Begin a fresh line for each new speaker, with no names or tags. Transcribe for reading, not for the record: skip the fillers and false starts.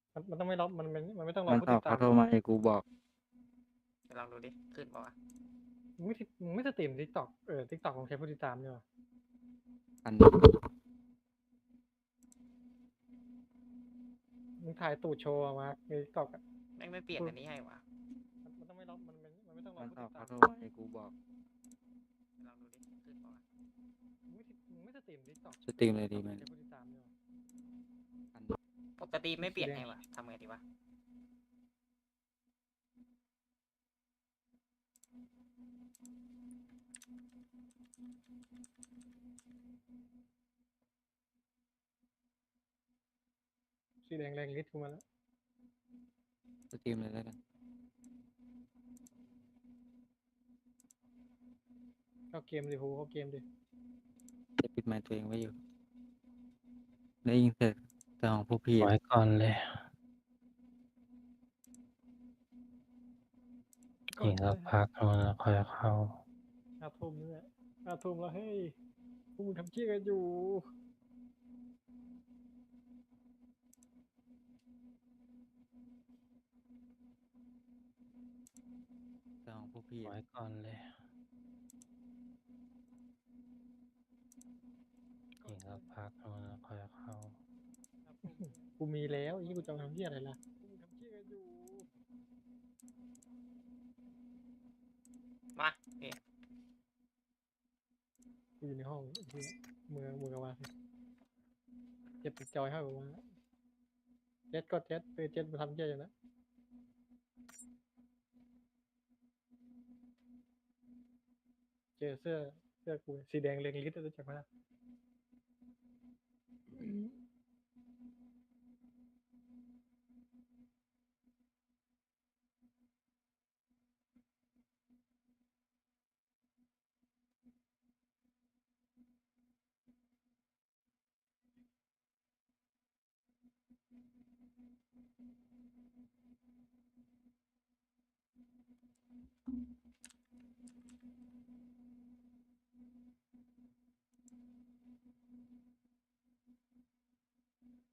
มันต้องไม่ล็อกมันไม่ต้องรอ
มัน
ผู้
ตอบเขาโทร
ติดตามเลย
มาให้กูบอก
เดี๋ยวลองดูดิขึ้นบอกว่า
มึงไม่สตรีมทิกตอกทิกตอกของใครผู้ติดตามเนี่ยหรอ
อัน
มึงถ่ายตูดโชว์มาในทิกตอกอ่ะ
แม่งไม่เปลี่ยนอันนี้ให้วะ
มันต้องไม่ล็อกมันไม่ต้องรอ
มัน
ผู้
ตอ
ติ
บ
ด
เขา
ตาม
โทรมาให้กูบอก
ลองดูดิขึ้นบอกว่า
มึงไม่สตรีมทิกตอก
สตรีมเลยดีไหม
ใครผู้ติดตามเนี่ยหรอ
ปกติไม่เปลี่ยนให้วะทำไงดีวะ
สีแดงแรงลิสต์กูมาแล้ว
สตรีมเลยแล้วกัน
เข้าเกมดิฮูเข้าเกมดิ
จะปิดไมค์ตัวเองไว้อยู่ได้ยินแต่ของพวกพี่
ไว้ก่อนเลยอีกสักพักแล้วค่อยเข้า
5 ทุ่มนี่แหละ5 ทุ่มแล้วเฮ้ยพวกมึงทำเชี่ยกันอยู่
แต่ของพวกพี่
ไว้ก่อนเลยอีกสักพักแล้วค่อยเข้า
กูมีแล้วยี่กูจะทำเชี่ยอะไรล่ะพวกมึงทำเชี่ยกันอยู่
มาเอ๊ะ
กูอยู่ในห้องที่มือกับว่าเจ็บติดจอยให้กับว่าเจ็ดก็เจ็ดเจ็ดมาทำเชี่ยอยู่นะเจอเสื้อกูสีแดงเรียงลิสต์รู้จักไหมล่ะ